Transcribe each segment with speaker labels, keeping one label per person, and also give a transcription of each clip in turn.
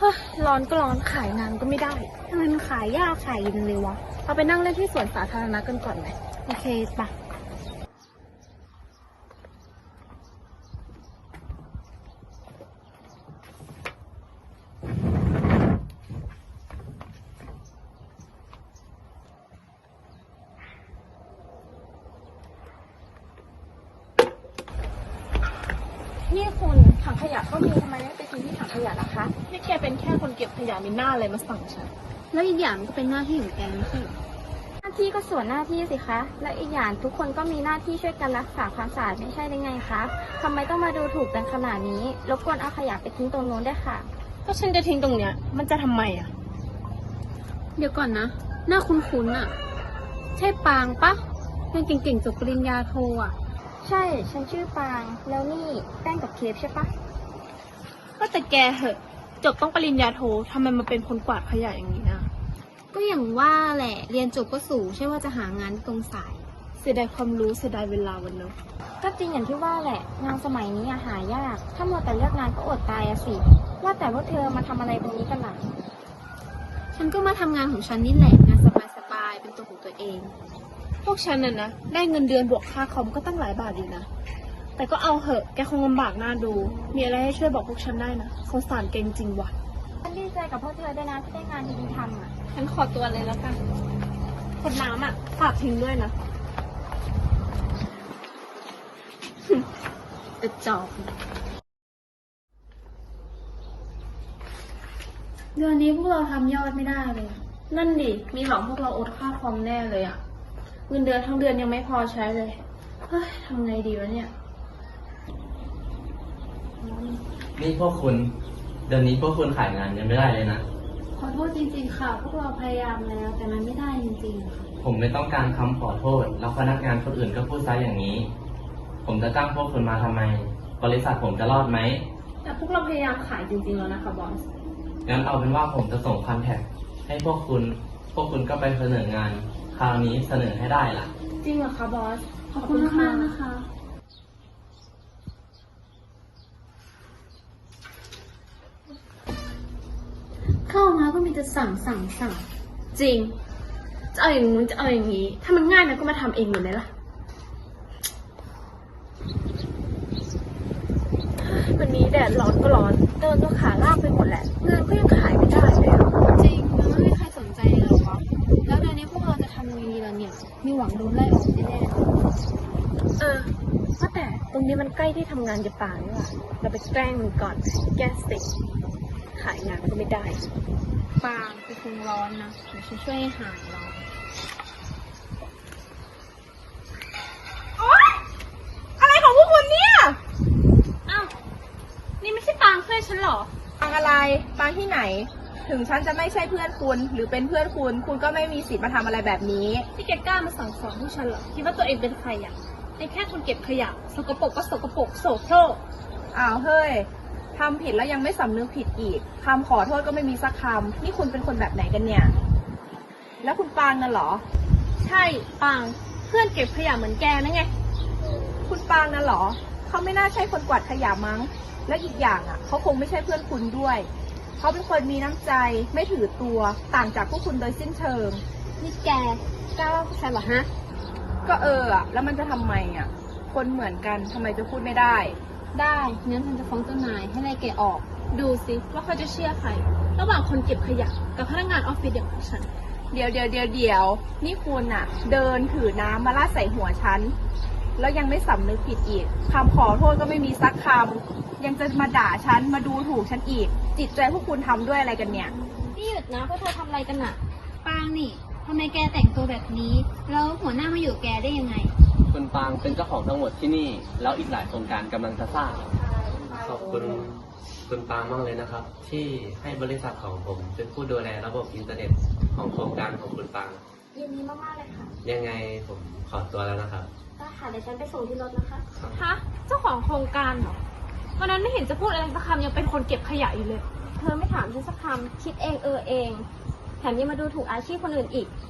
Speaker 1: ฮ้ยร้อนก็ร้อนขายงานก็ไม่ได้ทำไมมันขายยากขายเย็นเลยวะเอาไปนั่งเล่นที่สวนสาธารณะกันก่อนไหมโอเคปะนี่คุณถังขยะก็มีทำไมไม่ไปทิ้งที่ถังขยะล่ะคะนี่แกเป็นแค่คนเก็บขยะมีหน้าอะไรมาสั่งฉันแล้วอีกอย่างก็เป็นหน้าที่ของแกไม่ใช่หรอหน้าที่ก็ส่วนหน้าที่สิคะและอีกอย่างทุกคนก็มีหน้าที่ช่วยกันรักษาความสะอาดไม่ใช่ได้ไงคะทำไมต้องมาดูถูกกันขนาดนี้รบกวนเอาขยะไปทิ้งตรงโน้นได้ค่ะก็ฉันจะทิ้งตรงเนี้ยมันจะทำไมอ่ะเดี๋ยวก่อนนะหน้าคุ้นๆอ่ะใช่ปางปะเรียนเก่งๆจบปริญญาโทอ่ะใช่ฉันชื่อปางแล้วนี่แป้งกับเคฟใช่ปะก็แต่แกเหอะจบต้องปริญญาโททำไมมาเป็นคนกวาดขยะอย่างนี้นะก็อย่างว่าแหละเรียนจบก็สูงใช่ว่าจะหางานตรงสายเสียดายความรู้เสียดายเวลาวันเนอะก็จริงอย่างที่ว่าแหละงานสมัยนี้หายากถ้ามัวแต่เลือกงานก็อดตายอะสิว่าแต่ว่าเธอมาทำอะไรตรงนี้กันหลังฉันก็มาทำงานของฉันนี่แหละงานสบายๆเป็นตัวของตัวเองพวกฉันน่ะนะได้เงินเดือนบวกค่าคอมก็ตั้งหลายบาทอยู่นะแต่ก็เอาเหอะแกคงลำบากหน้าดูมีอะไรให้ช่วยบอกพวกฉันได้นะสงสารเก่งจริงว่ะฉันดีใจกับพวกเธอด้วยนะที่ได้งานดีๆทำอ่ะฉันขอตัวเลยแล้วกันคนน้ำอ่ะฝากทิ้งด้วยนะกระจอกเดือนนี้พวกเราทำยอดไม่ได้เลยนั่นดิมีหลอกพวกเราอดค่าคอมแน่เลยอ่ะเงินเดือนทั้งเดือนยังไม่พอใช้เลยเฮ้ยทำไงดีวะเนี่ย
Speaker 2: นี่พวกคุณเดือนนี้พวกคุณขายงานยังไม่ได้เลยนะ
Speaker 1: ขอโทษจริงๆค่ะพวกเราพยายามแล้วแต่มันไม่ได้จริงๆค่ะ
Speaker 2: ผมไม่ต้องการคำขอโทษแล้วพนักงานคนอื่นก็พูดซะอย่างนี้ผมจะจ้างพวกคุณมาทำไมบริษัทผมจะรอดไหม
Speaker 1: แต่พวกเราพยายามขายจริงๆแล้วนะคะบอส
Speaker 2: งั้นเอาเป็นว่าผมจะส่งคอนแทคให้พวกคุณก็ไปเสนองานคราวนี้เสนอให้ได้ล่ะ
Speaker 1: จริงเหรอคะบอสขอบคุณมากๆนะคะเข้ามาก็มีแต่สั่งจริงจะเอาอย่างนู้นจะเอาอย่างนี้ถ้ามันง่ายนะก็มาทำเองเหมือนไหมล่ะวันนี้แดดร้อนก็ร้อนเดินก็ขาลากไปหมดแหละงานก็ยังขายไม่ได้เลยจริงมันไม่มีใครสนใจเลยวะแล้วเดือนนี้พวกเราจะทำยังไงดีล่ะเนี่ยมีหวังโดนไล่ออกแน่ๆว่าแต่ตรงนี้มันใกล้ที่ทำงานจะป่านี่หว่าเราไปแกล้งมันก่อนแก้สิขายงานก็ไม่ได้ปางไปคงร้อนนะเดี๋ยวฉันช่วยให้หายร้อนอะไรของพวกคุณเนี่ยอ้าวนี่ไม่ใช่ปางเพื่อนฉันหรอ
Speaker 3: ปางอะไรปางที่ไหนถึงฉันจะไม่ใช่เพื่อนคุณหรือเป็นเพื่อนคุณก็ไม่มีสิทธิ์มาทำอะไรแบบนี้
Speaker 1: ที่แกกล้ามาสั่งสอนพวกฉันเหรอคิดว่าตัวเองเป็นใครอ่ะเป็นแค่คนเก็บขยะสกปรกก็สกปรกโสโครก
Speaker 3: อ้าวเฮ้ยทำผิดแล้วยังไม่สำนึกผิดอีกคำขอโทษก็ไม่มีสักคำนี่คุณเป็นคนแบบไหนกันเนี่ยแล้วคุณปางนั่นเหรอ
Speaker 1: ใช่ปางเพื่อนเก็บขยะเหมือนแกนั่นไง
Speaker 3: คุณปางนั่นเหรอเขาไม่น่าใช่คนกวาดขยะมั้งและอีกอย่างอ่ะเขาคงไม่ใช่เพื่อนคุณด้วยเขาเป็นคนมีน้ำใจไม่ถือตัวต่างจากพวกคุณโดยสิ้นเชิง
Speaker 1: นี่แกกล้าว่าพวกฉันเหรอฮะ
Speaker 3: ก็แล้วมันจะทำไมอ่ะคนเหมือนกันทำไมจะพูดไม่ได้
Speaker 1: ได้งั้นฉันจะฟ้องเจ้านายให้ไล่แกออกดูสิว่าเขาจะเชื่อใครระหว่างคนเก็บขยะกับพนักงานออฟฟิศอย่างฉัน
Speaker 3: เดี๋ยวนี่คุณอ่ะเดินถือน้ำมาลาดใส่หัวฉันแล้วยังไม่สำนึกผิดอีกคำขอโทษก็ไม่มีสักคำยังจะมาด่าฉันมาดูถูกฉันอีกจิตใจพวกคุณทำด้วยอะไรกันเนี่ย
Speaker 1: นี่หยุดนะพวกเธอทำอะไรกันน่ะปางนี่ทำไมแกแต่งตัวแบบนี้แล้วหัวหน้ามาอยู่แกได้ยังไง
Speaker 2: คุณปางเป็นเจ้าของทั้งหมดที่นี่แล้วอีกหลายโครงการกำลังจะสร้างขอบคุณคุณปางมากเลยนะครับที่ให้บริษัทของผมเป็นผู้ดูแลระบบอินเทอร์เน็ตของโครงการของคุณปาง
Speaker 1: ยินดีมากๆเลยค่ะ
Speaker 2: ยังไงผมขอตัวแล้วนะครับ
Speaker 1: ได้ค่ะเดี๋ยวฉันไปส่งที่รถนะคะฮะเจ้าของโครงการเหรอวันนั้นไม่เห็นจะพูดอะไรสักคำยังเป็นคนเก็บขยะอยู่เลยเธอไม่ถามฉันสักคำคิดเองเองแถมยังมาดูถูกอาชีพคนอื่นอีก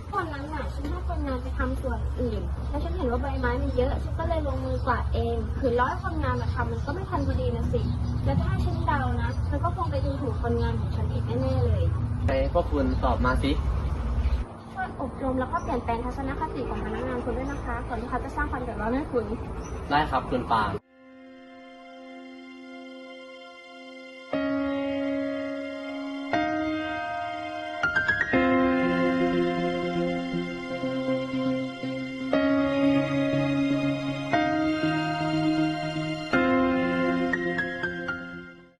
Speaker 1: วันนั้นน่ะฉันให้คนงานไปทำส่วนอื่น แล้วฉันเห็นว่าใบไม้มันเยอะ ฉันก็เลยลงมือกวาดเองคือร้อยคนงานมาทำมันก็ไม่ทันพอดีนะสิ แล้วถ้าฉันเดานะ มันก็คงไปดูถูกคนงานของฉันอีกแน่ๆเลย
Speaker 2: ไปพวกคุณตอบมาสิ
Speaker 1: ช่วยอบรมแล้วก็เปลี่ยนแปลงทัศนคติของพนักงานคุณด้วยนะคะ ก่อนที่เขาจะสร้างความเดือดร้อนให้คุณ
Speaker 2: ได้ครับคุณปาง